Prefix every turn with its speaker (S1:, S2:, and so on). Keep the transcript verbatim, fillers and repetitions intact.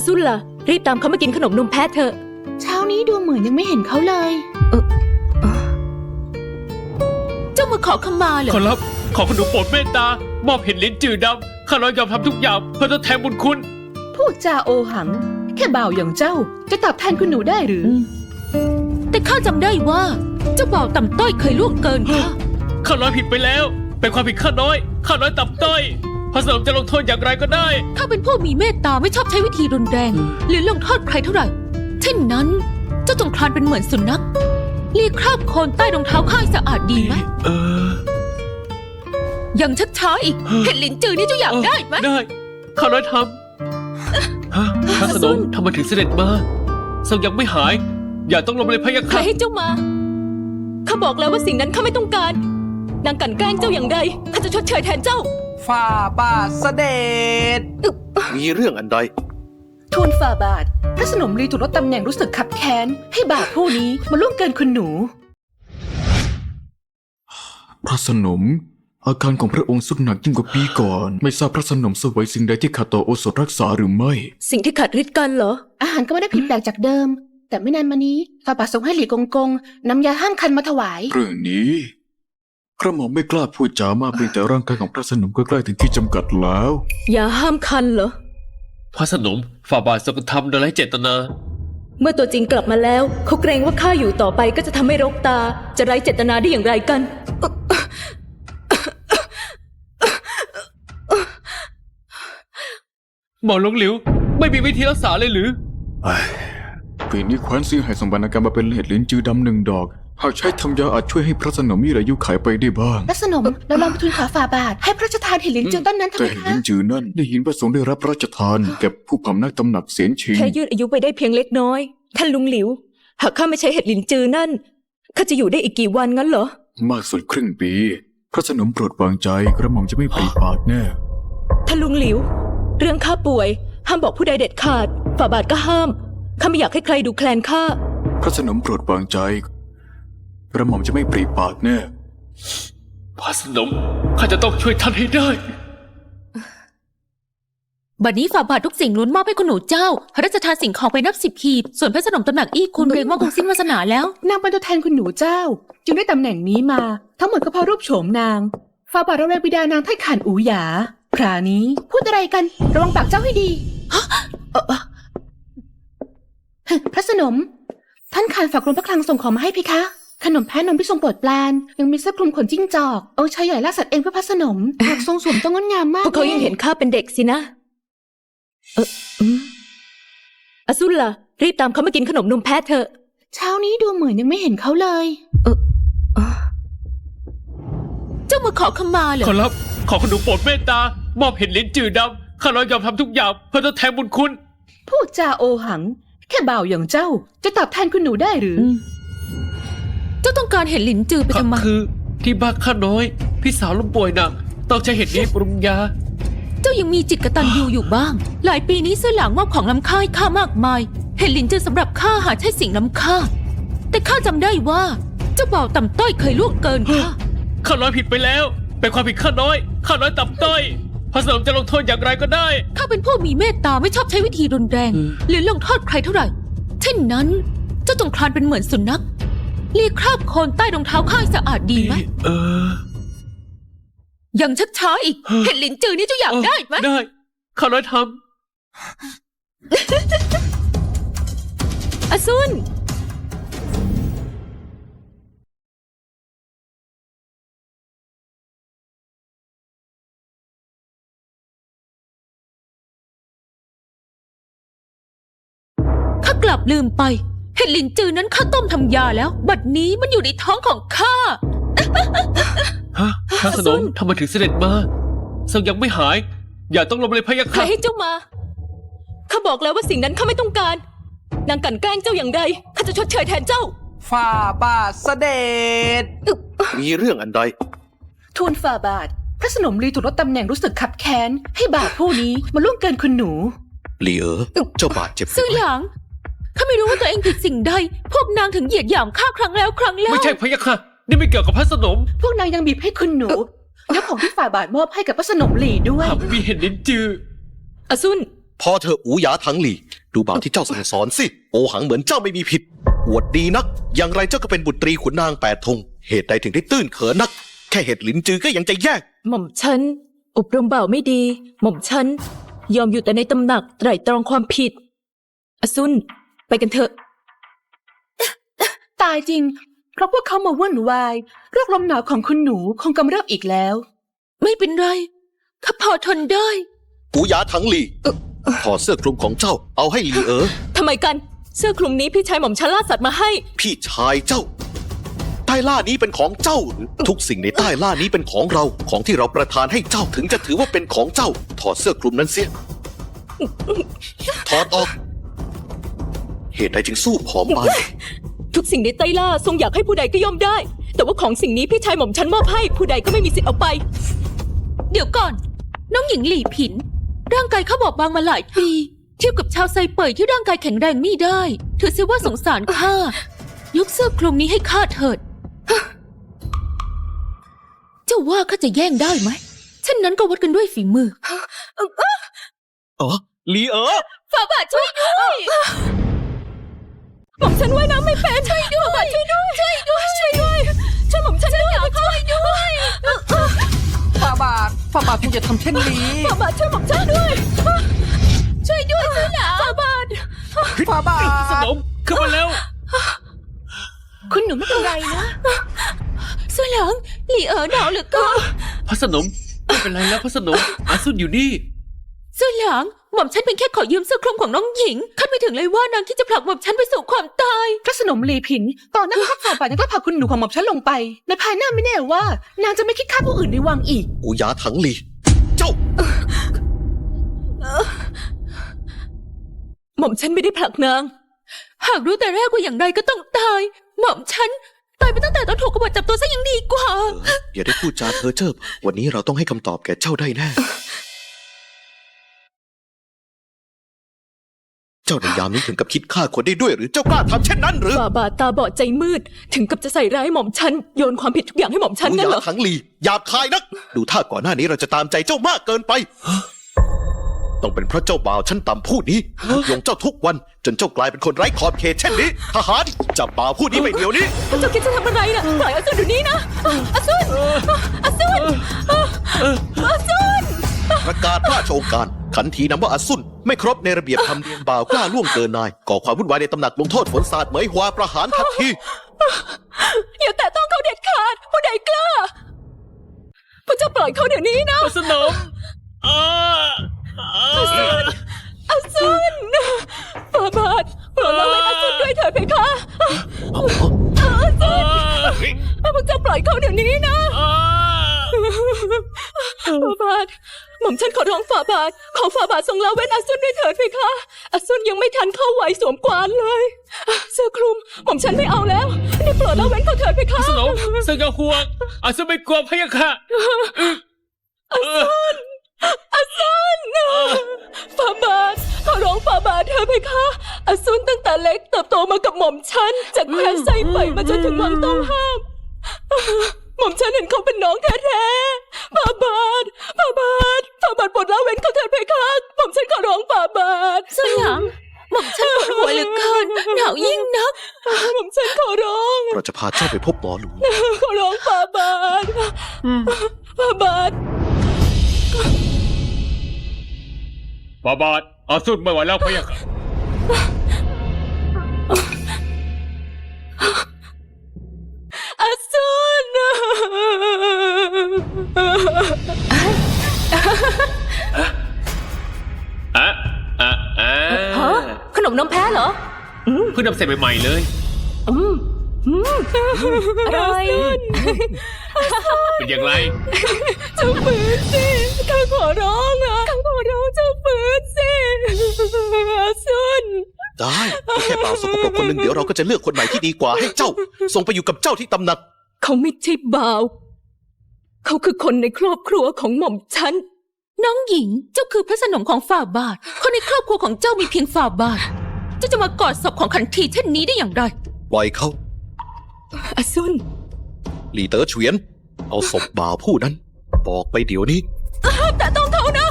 S1: ซุนล่ะรีบตามเขามากินขนมนมแพะเถอะ
S2: เช้านี้ดูเหมือนยังไม่เห็นเขาเลย
S1: เออเจ้ามาขอขมาเหรอ
S3: ขอรับขอขนมโปรดเมตตามอบเห็ดลิ้นจืดดำข้าน้อยยอมทำทุกอย่างเพื่อทดแทนบุญคุณ
S2: พูดจาโอหังแค่บ่าวอย่างเจ้าจะตอบแทนคุณหนูได้หรือ
S1: แต่ข้าจำได้ว่าเจ้าบ่าวต่ำต้อยเคยล่วงเกินข้า
S3: ข้าน้อยผิดไปแล้วเป็นความผิดข้าน้อยข้าน้อยต่ำต้อยพระสนมจะลงโทษอย่างไรก็ได้
S1: ข้าเป็นผู้มีเมตตาไม่ชอบใช้วิธีรุนแรงหรือลงโทษใครเท่าไหร่เช่นนั้นเจ้าจงคลานเป็นเหมือนสุนัขเลียคราบโคลนใต้รองเท้าข้าสะอาดดีไหม
S3: เออ
S1: ยังชักช้าอีกเห็ดลิ้นจือนี่เจ้าอยากได้ไหม
S3: ได้ข้าน้อยทำฮะพระสนมทำไมถึงเสด็จมาทรงยังไม่หายอย่าต้องลงเลยพะยะค่ะ
S1: ใครให้เจ้ามาข้าบอกแล้วว่าสิ่งนั้นข้าไม่ต้องการนางกลั่นแกล้งเจ้าอย่างใดข้าจะชดเชยแทนเจ้า
S4: ฝ่าบาทเสด็จ
S5: มีเรื่องอันใด
S2: ทูลฝ่าบาทพระสนมรีถูกลดตำแหน่งรู้สึกขับแค้นให้บ่าวผู้นี้มาล่วงเกินคุณหนู
S6: พระสนมอาการของพระองค์สุดหนักยิ่งกว่าปีก่อนไม่ทราบพระสนมเสวยสิ่งใดที่ขาดต่อโอสถรักษาหรือไม่
S1: สิ่งที่ขาดฤทธิ์กันเหรอ
S2: อาหารก็ไม่ได้ผิดแปลกจากเดิมแต่ไม่นานมานี้ฝ่าบาทส่งให้หลี่กงกงนำยาห้ามคันมาถวาย
S6: เรื่องนี้กระหม่อมไม่กล้าพูดจามากเพียงแต่ร่างกายของพระสนมก็ใกล้ถึงที่จำกัดแล้ว
S1: ยาห้ามคันเหรอ
S3: พระสนมฝ่าบาททรงทำโดยไร้เจตนา
S1: เมื่อตัวจริงกลับมาแล้วเขาเกรงว่าข้าอยู่ต่อไปก็จะทำให้รกตาจะไร้เจตนาได้อย่างไรกัน
S3: หมอหลงหลิวไม่มีวิธีรักษาเลยหรือ
S6: ปีนี้แคว้นซีให้ส่งบรรณาการมาเป็นเห็ดลิ้นจือดำหนึ่งดอกหากใช้ทำยาอาจช่วยให้พระสนมมีอายุขัยไปได้บ้าง
S2: พระสนมเราลองไปทูลขอฝ่าบาทให้พระราชทานเห็ดลิ้นจือต้นนั้นทำไมคะ
S6: แต่เห็ดลิ้นจือนั่นได้ยินพระสงฆ์ได้รับพระราชทานแก่ผู้พำนักตำหนักเสียนชิง
S1: แค่ยืดอายุไปได้เพียงเล็กน้อยท่านลุงหลิวหากข้าไม่ใช้เห็ดลิ้นจือนั่นข้าจะอยู่ได้อีกกี่วันงั้นเหรอ
S6: มากสุดครึ่งปีพระสนมโปรดวางใจกระหม่อมจะไม่ปริปากแน่
S1: ท่านลุงหลิวเรื่องข้าป่วยห้ามบอกผู้ใดเด็ดขาดฝ่าบาทก็ห้ามข้าไม่อยากให้ใครดูแคลนข้า
S6: พระสนมโปรดวางใจกระหม่อมจะไม่ปริปากแน่
S3: พระสนมข้าจะต้องช่วยท่านให้ได้
S1: บัดนี้ฝ่าบาททุกสิ่งล้วนมอบให้คุณหนูเจ้าพระราชทานสิ่งของไปนับสิบขีดส่วนพระสนมตำหนักอี้คุณเกรงว่าคงสิ้นวาสนาแล้ว
S2: นางเป็นตัวแทนคุณหนูเจ้าจึงได้ตำแหน่งนี้มาทั้งหมดก็เพราะรูปโฉมนางฝ่าบาทระแวงบิดานางไถ่ขานอูหยาครานี้พูดอะไรกันระวังปากเจ้าให้ดีพระสนมท่านขานฝากกรมพระคลังส่งของมาให้พี่คะขนมแพะนมที่ทรงโปรดปรานยังมีเสื้อคลุมขนจิ้งจอกเอาชายใหญ่ล่าสัตว์เองเพื่อพระสนมหากทรงสวมต้องงดงามมาก
S1: พวกเขายังเห็นข้าเป็นเด็กสินะเอออซุนล่ะรีบตามเขามากินขนมนมแพะเถอะ
S2: เช้านี้ดูเหมือนยังไม่เห็นเขาเลย
S1: เออเจ้ามาขอขมาเหรอ
S3: ขอรับขอขนมโปรดเมตตามอบเห็ดลิ้นจืดดำข้าน้อยยอมทำทุกอย่างเพื่อทดแทนบุญคุณ
S2: พูดจาโอหังแค่บ่าวอย่างเจ้าจะตอบแทนคุณหนูได้หรือ
S1: เจ้าต้องการเห็ดลิ้นจือไปทำไม
S3: คือที่บ้านข้าน้อยพี่สาวล้มป่วยหนักต้องใช้เห็ดนี้ปรุงยา
S1: เจ้ายังมีจิตกตัญญูอยู่บ้างหลายปีนี้เสื้อหลังมอบของล้ำค่าให้ข้ามากมายเห็ดลิ้นจือสำหรับข้าหาใช่สิ่งล้ำค่าแต่ข้าจำได้ว่าเจ้าบ่าวต่ำต้อยเคยล่วงเกินข้า
S3: ข้าน้อยผิดไปแล้วเป็นความผิดข้าน้อยข้าน้อยต่ำต้อยพระสนมจะลงโทษอย่างไรก็ได้
S1: ข้าเป็นผู้มีเมตตาไม่ชอบใช้วิธีรุนแรงหรือลงโทษใครเท่าไหร่เช่นนั้นเจ้าจงคลานเป็นเหมือนสุนัขเลียคราบโคลนใต้รองเท้าข้าสะอาดดีไหม
S3: เออ
S1: ยังชักช้าอีกเห็ดลิ้นจือนี่เจ้าอยากได้ไหม
S3: ได้ข้าน้อยท
S1: ำอซุนกลับลืมไปเห็ดลิ้นจือนั้นข้าต้มทำยาแล้วบัดนี้มันอยู่ในท้องของข้า
S3: ฮะพระสนมทำไมถึงเสด็จมาทรงยังไม่หายอย่าต้องลงเลยพะยะค่ะ
S1: ใครให้เจ้ามาข้าบอกแล้วว่าสิ่งนั้นข้าไม่ต้องการนางกลั่นแกล้งเจ้าอย่างใดข้าจะชดเชยแทนเจ้า
S4: ฝ่าบาทเสด็จ
S5: มีเรื่องอันใด
S2: ทูลฝ่าบาทพระสนมรีถูกลดตำแหน่งรู้สึกขับแค้นให้บ่าวผู้นี้มาล่วงเกินคุณหนู
S5: หลี่เอ๋อเจ้าบาดเจ็บ
S1: ซื่อหยางข้าไม่รู้ว่าตัวเองผิดสิ่งใดพวกนางถึงเหยียดหยามข้าครั้งแล้วครั้งเล่า
S3: ไม่ใช่พะยะค่ะนี่ไม่เกี่ยวกับพระสนม
S2: พวกนางยังบีบให้คุณหนูยกของที่ฝ่าบาทมอบให้กับพระสนมหลี่ด้วย
S3: หากไม่มีเห็ดลิ้นจือ
S1: อซุน
S5: พอเธออูหยาถังหลี่ดูบ่าวที่เจ้าสั่งสอนสิ โอหังเหมือนเจ้าไม่มีผิดอวดดีนัก อย่างไรเจ้าก็เป็นบุตรีขุนนางแปดธง เหตุใดถึงได้ตื้นเขินนัก แค่เหตุหลินจือก็ยังจะแยก
S1: หม่อมฉันอบรมบ่าวไม่ดี หม่อมฉันยอมอยู่แต่ในตำหนักไตร่ตรองความผิดอซุนไปกันเถอะ
S2: ตายจริง เพราะพวกเขามาวุ่นวายโรคลมหนาวของคุณหนูคงกำเริบอีกแล้ว
S1: ไม่เป็นไรข้าพอทนได้
S5: กูหยาถังหลีถอดเสื้อคลุมของเจ้าเอาให้หลีเอ๋อ
S1: ทำไมกันเสื้อคลุมนี้พี่ชายหม่อมฉันล่าสัตว์มาให้
S5: พี่ชายเจ้า ใต้ล่านี้เป็นของเจ้าหรือทุกสิ่งในใต้ล่านี้เป็นของเรา ของที่เราประทานให้เจ้าถึงจะถือว่าเป็นของเจ้า ถอดเสื้อคลุมนั้นเสีย ถอดออก เหตุใดจึงสู้ผอมไป
S1: ทุกสิ่งในไต้ล่าทรงอยากให้ผู้ใดก็ย่อมได้ แต่ว่าของสิ่งนี้พี่ชายหม่อมฉันมอบให้ผู้ใดก็ไม่มีสิทธิ์เอาไป เดี๋ยวก่อน น้องหญิงหลี่ผิน ร่างกายเขาบอบบางมาหลายปี เทียบกับชาวไซเป่ยที่ร่างกายแข็งแรงไม่ได้ถือเสียว่าสงสารข้ายกเสื้อคลุมนี้ให้ข้าเถิด เจ้าว่าข้าจะแย่งได้ไหมเช่นนั้นก็วัดกันด้วยฝีมือ
S5: อ๋อหลีเอ๋อ
S1: ฝ่าบาทช่วยด้วยหม่อมฉันว่ายน้ำไม่เป็นช่วยด้วยฝ่าบาทช่วยด้วยช่วยด้วยช่วยด้วยช่วยหม่อมฉันด้วยช่วยด้วย
S4: ฝ่าบาทฝ่าบาทคุณจะทำเช่นนี้
S1: ฝ่าบาทช่วยหม่อมฉันด้วย ช่วยด้วยช่วยหนาฝ่าบาท
S4: ฝ่าบา
S3: ส
S4: ท
S3: นมขึ้นมาแล้ว
S2: คุณหนูไม่เป็นไรนะ
S1: สวยหลังหลี่เอ๋อหนาวเหลือเกิน
S3: พระสนมไม่เป็นไรแล้วพระสนมอาซุนอยู่นี่
S1: สวยหลังหม่อมฉันเป็นแค่ขอยืมเสื้อคลุมของน้องหญิงคาดไม่ถึงเลยว่านางที่จะผลักหม่อมฉันไปสู่ความตาย
S2: พระสนมลีผิน ตอนนั้นข้าฝ่าบาทยังกล้าพาคุณหนูของหม่อมฉันลงไป ในภายหน้าไม่แน่ว่า นางจะไม่คิดฆ่าผู้อื่นในวังอีก
S5: กูหยาถังหลี เจ้า
S1: หม่อมฉันไม่ได้ผลักนาง หากรู้แต่แรกว่าอย่างไรก็ต้องตาย หม่อมฉันตายไปตั้งแต่ตอนถูกกบฏจับตัวซะยังดีกว่า
S5: เอออย่าได้พูดจาเพ้อเจ้อวันนี้เราต้องให้คำตอบแก่เจ้าได้แน่ เจ้าในยามนี้ถึงกับคิดฆ่าคนได้ด้วยหรือเจ้ากล้าทำเช่นนั้นหรือ
S1: ฝ่าบาทตาบอดใจมืด ถึงกับจะใส่ร้ายหม่อมฉันโยนความผิดทุกอย่างให้หม่อมฉัน
S5: กู
S1: งั้น
S5: ห
S1: เหร
S5: ยา
S1: อ
S5: ถังหลีหยาบคายนัก ดูท่าก่อนหน้านี้เราจะตามใจเจ้ามากเกินไป ต้องเป็นเพราะเจ้าบ่าวชั้นต่ำผู้นี้ยงเจ้าทุกวันจนเจ้ากลายเป็นคนไร้ขอบเขตเช่นนี้ ทหารจับบ่าวผู้นี้ไปเดี๋ยวนี้
S1: เจ้าคิดจะทำอะไรน่ะปล่อยอาซุนเดี๋ยวนี้นะอาซุนอาซุนอาซุน
S5: ประกาศราชโองการขันทีนำว่าอาซุนไม่ครบในระเบียบธรรมเนียมบ่าวกล้าล่วงเกินนายก่อความวุ่นวายในตำหนักลงโทษฝนสาดเหมยหัวประหารทันที
S1: อย่าแตะต้องเขาเด็ดขาดผู้ใดกล้าพระเจ้าปล่อยเขาเดี๋ยวนี้นะ
S3: พระสนมอ่าอ่า
S1: อาซุนฝ่าบาทโปรดละเว้นอาซุนด้วยเถิดเพคะอาซุนพระเจ้าปล่อยเขาเดี๋ยวนี้นะ
S3: อ่า
S1: ฝ่าบาทหม่อมฉันขอร้องฝ่าบาทขอฝ่าบาททรงละเว้นอาซุนด้วยเถิดเพคะอาซุนยังไม่ทันเข้าไหวสวมกวานเลยเสื้อคลุมหม่อมฉันไม่เอาแล้วได้โปรดละเว้นเขาเถิดเพ
S3: พ
S1: คะ
S3: ระสนมเสกห่วงอาซุนไม่กลัวพะยะค่ะ
S1: อาซุนฝ่าบาทขอร้องฝ่าบาทเถิดเพคะอาซุนตั้งแต่เล็กเติบโตมากับหม่อมฉันจากแคว้นไซเป่ยมาจนถึงวังต้องห้ามหม่อมฉันเห็นเขาเป็นน้องแท้ๆฝ่าบาทฝ่าบาทฝ่าบาทโปรดละเว้นเขาเถิดเพคะหม่อมฉันขอร้องฝ่าบาทสยามหม่อมฉันปวดหัวเหลือเกินหนาวยิ่งนักหม่อมฉันขอร้อง
S5: เราจะพาเจ้าไปพบหมอหลวง
S1: ขอร้องฝ่าบาทฝ่าบาท
S3: บาบาดอาซุนไม่ไหวแล้วพะยะค่ะ
S1: อาซุน
S3: อ่ะอ่ะอ่ะ
S1: ฮะขนมน้ำแพ้เหรอ
S3: เพิ่งนำเสร็จใหม่ๆเลย
S1: อืมอืมอร่อย
S3: เป็นอย่างไร
S1: เจ้าฝืนสิข้าขอร้องนะข้าขอร้องเจ้าฝืนสิอาซุน
S5: ได้ก็แค่บ่าวสกปรกคนหนึ่งเดี๋ยวเราก็จะเลือกคนใหม่ที่ดีกว่าให้เจ้า ส่งไปอยู่กับเจ้าที่ตำหนัก
S1: เขาไม่ใช่บ่าว เขาคือคนในครอบครัวของหม่อมฉัน น้องหญิง เจ้าคือพระสนมของฝ่าบาท คนในครอบครัวของเจ้ามีเพียงฝ่าบาท เจ้าจะมากอดศพของขันทีเช่นนี้ได้อย่างไร
S5: ปล่อยเขา
S1: อาซุน
S5: หลีเต๋อเฉวียน เอาศพบ่าวผู้นั้น บอกไปเดี๋ยวนี้
S1: แต่ต้องเขานะ